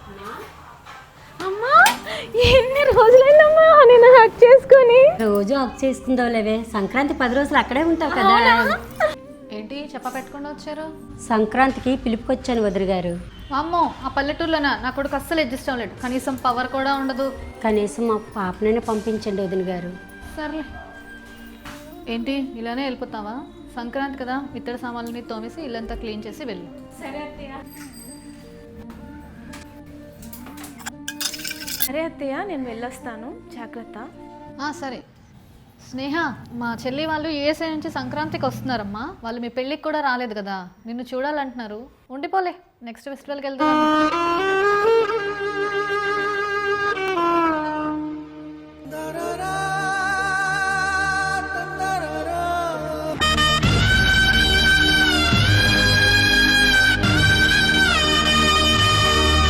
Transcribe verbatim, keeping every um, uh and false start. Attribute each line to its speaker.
Speaker 1: అమ్మా ఎన్ని రోజులైందమ్మా నేను హక్ చేసుకుని.
Speaker 2: రోజు హక్ చేసుకుందావు లేవే, సంక్రాంతి పది రోజులు అక్కడే ఉంటావు కదా.
Speaker 3: ఏంటి చెప్ప పెట్టకుండా వచ్చారు?
Speaker 2: సంక్రాంతికి పిలుపుకొచ్చాను వదిలి గారు.
Speaker 3: అమ్మో, ఆ పల్లెటూరులోనా నా కొడుకు అస్సలు అడ్జస్ట్ అవ్వలేడు. కనీసం పవర్ కూడా ఉండదు.
Speaker 2: కనీసం మా పాపనైనా పంపించండి వదిన గారు.
Speaker 3: సర్లే. ఏంటి ఇలానే వెళ్ళిపోతావా? సంక్రాంతి కదా, ఇత్తడి సామాన్లని తోమేసి ఇల్లంతా క్లీన్ చేసి వెళ్ళు.
Speaker 1: సరే అత్తయ్య. సరే అత్తయ్య, నేను వెళ్ళొస్తాను, జాగ్రత్త.
Speaker 3: సరే స్నేహ, మా చెల్లి వాళ్ళు యూఎస్ఏ నుంచి సంక్రాంతికి వస్తున్నారమ్మా. వాళ్ళు మీ పెళ్ళికి కూడా రాలేదు కదా, నిన్ను చూడాలంటున్నారు. ఉండిపోలే, నెక్స్ట్ ఫెస్టివల్కి వెళ్తాం.